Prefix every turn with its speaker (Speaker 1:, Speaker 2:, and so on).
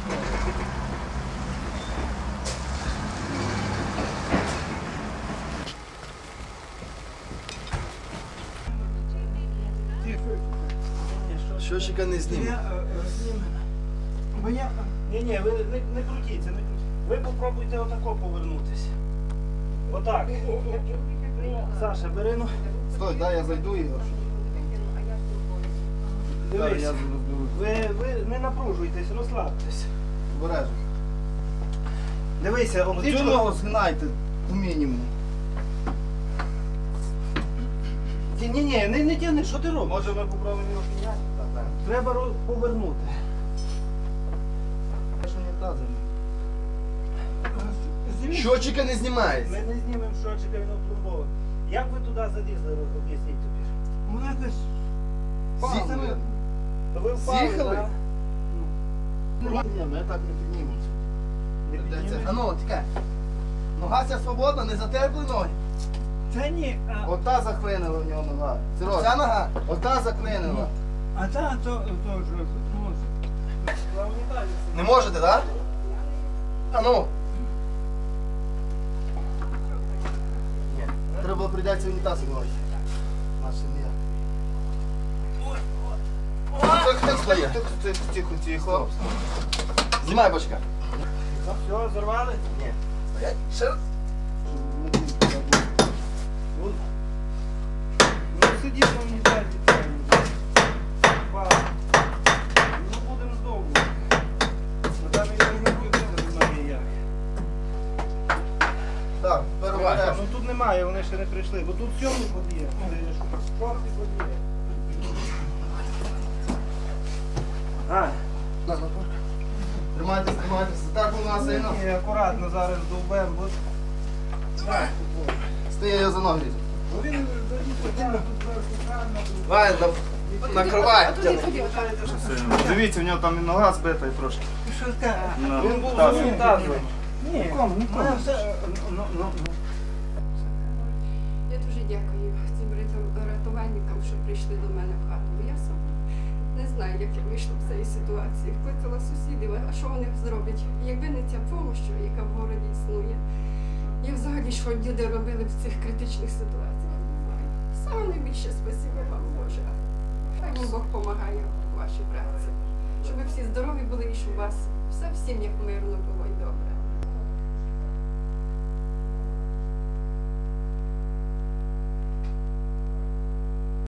Speaker 1: Щочика не зніме.
Speaker 2: Ні, ви не крутіться, не крутіться. Ви попробуйте отако повернутися. Отак. Саша, бери, ну.
Speaker 1: Стой, дай я зайду і...
Speaker 2: Дивись, ви не напружуйтесь, розслабтесь.
Speaker 1: Обережно.
Speaker 2: Дивися,
Speaker 1: Цю
Speaker 2: обличчя.
Speaker 1: ногу згинайте по мінімуму.
Speaker 2: Ні, не тягни, що ти робиш?
Speaker 1: Може ми попробуємо його підняти?
Speaker 2: Треба повернути.
Speaker 1: Що не тазом? Щочика не знімається.
Speaker 2: Ми не знімемо щочика, він опломбований. Як ви туди залізли, об'ясніть тобі?
Speaker 3: Вона якось
Speaker 1: З'їхали.
Speaker 2: То ви впали,
Speaker 1: З'їхали?
Speaker 2: так?
Speaker 1: Ні, ми так не піднімемося.
Speaker 2: Не піднімемо?
Speaker 1: А ну, тікай. Нога ця свободна, не затерпли ноги.
Speaker 3: Та ні,
Speaker 1: Ота заклинила в нього нога. Ця нога, ота заклинила.
Speaker 3: а та то вже
Speaker 1: Не можете, так? А ну. Ні. Треба прийдеться унітаз вилазити. Наше не. Тихо. Знімай бочка.
Speaker 2: Все, зарвали?
Speaker 1: Ні. Стоять. Ще раз.
Speaker 2: Ну сидіть на унітазі. Ну будемо довго. Там і немає як.
Speaker 1: Так, переважаємо.
Speaker 2: Ну тут немає, вони ще не прийшли, бо тут сьомий ход є. Шостий ход є.
Speaker 1: Тримайтесь. Так у нас сильно.
Speaker 2: Ні, акуратно зараз довбемо, бо...
Speaker 1: Стає його за ноги.
Speaker 2: Бо він
Speaker 1: Давай, накривай.
Speaker 4: Дивіться, у нього там і нога збита і трошки.
Speaker 2: Він був
Speaker 4: Так.
Speaker 2: за унітазом. Ні,
Speaker 5: Я дуже дякую цим рятувальникам, що прийшли до мене в хату. Бо я сама не знаю, як я вийшла з цієї ситуації. Кликала сусідів, а що вони зроблять? Якби не ця допомога, яка в городі існує, і взагалі, що люди робили в цих критичних ситуаціях, не знаю. Саме найбільше спасибо вам, Боже. Хай вам Бог допомагає в вашій праці. Щоб ви всі здорові були і щоб у вас все всім як мирно було і добре.